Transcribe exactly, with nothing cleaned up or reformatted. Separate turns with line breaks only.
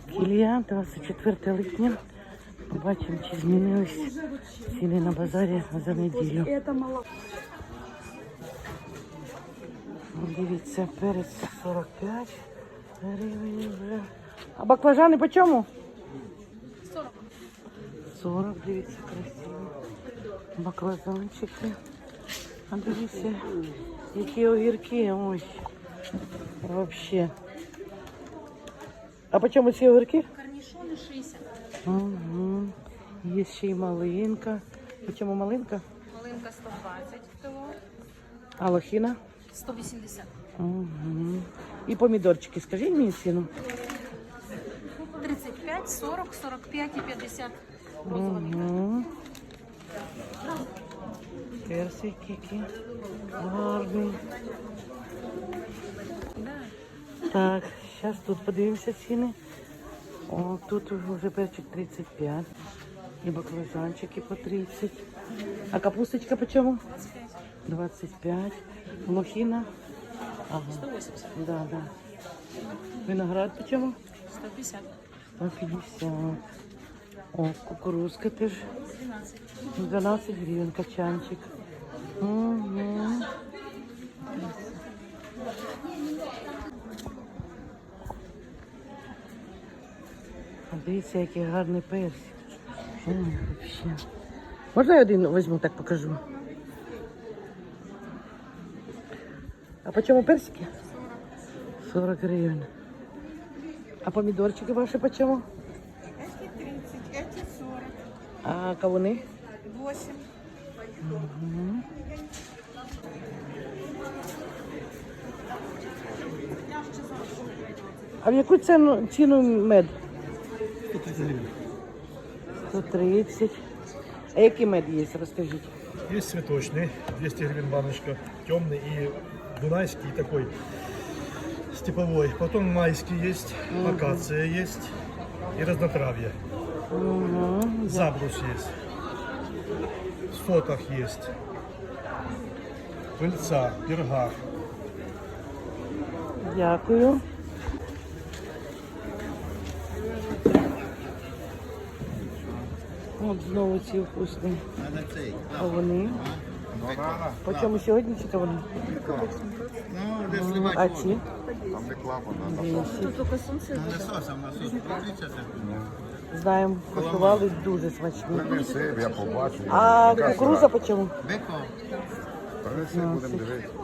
Кілія, двадцять четверте липня. Побачимо, чи змінились ціни на базарі за неділю. Дивіться, перець сорок п'ять гривень вже. А баклажани по чому?
сорок.
сорок, дивіться, красиво. Баклажанчики. А дивіться, які огірки. Ой, вообще. А по чому ці огірки?
Корнішони шістдесят.
Угу. Є ще й малинка. По чому малинка?
Малинка сто двадцять кіло.
А лохіна?
сто вісімдесят.
Угу. І помідорчики, скажіть мені ціну.
тридцять п'ять, сорок, сорок п'ять і п'ятдесят. Розовий.
Угу. Персик який гарний. Так, зараз тут подивимося ціни. О, тут вже перчик тридцять п'ять. І баклажанчики по тридцять. А капусточка по чому? двадцять п'ять. Лохіна? Ага.
сто вісімдесят.
Да, да. Виноград по чому?
сто п'ятдесят.
сто п'ятдесят. О, кукурузка теж.
дванадцять.
дванадцять гривень качанчик. Угу. Дивіться, який гарний персик. Ой, вообще. Можна я один візьму, так покажу? А по чому персики? сорок гривень. А помідорчики ваші по чому?
Эти тридцать, эти сорок,
А кавуни?
восемь.
Угу. А в яку ціну, ціну мед?
сто тридцать гривен.
сто тридцать. А який мед є, розкажіть?
Есть цветочный, двести гривен баночка, темный и дунайский такой степовой. Потом майский есть, акация есть и разнотравье.
Угу.
Забрус есть. Сотах есть. Пыльца, перга.
Дякую. От знову ці вкусні кавуни. По чому сьогодні ці кавуни? М, А ці? двісті. Знаємо, куштували дуже смачні.
Я побачу.
А кукуруза по чому?
Принеси, будемо дивитися.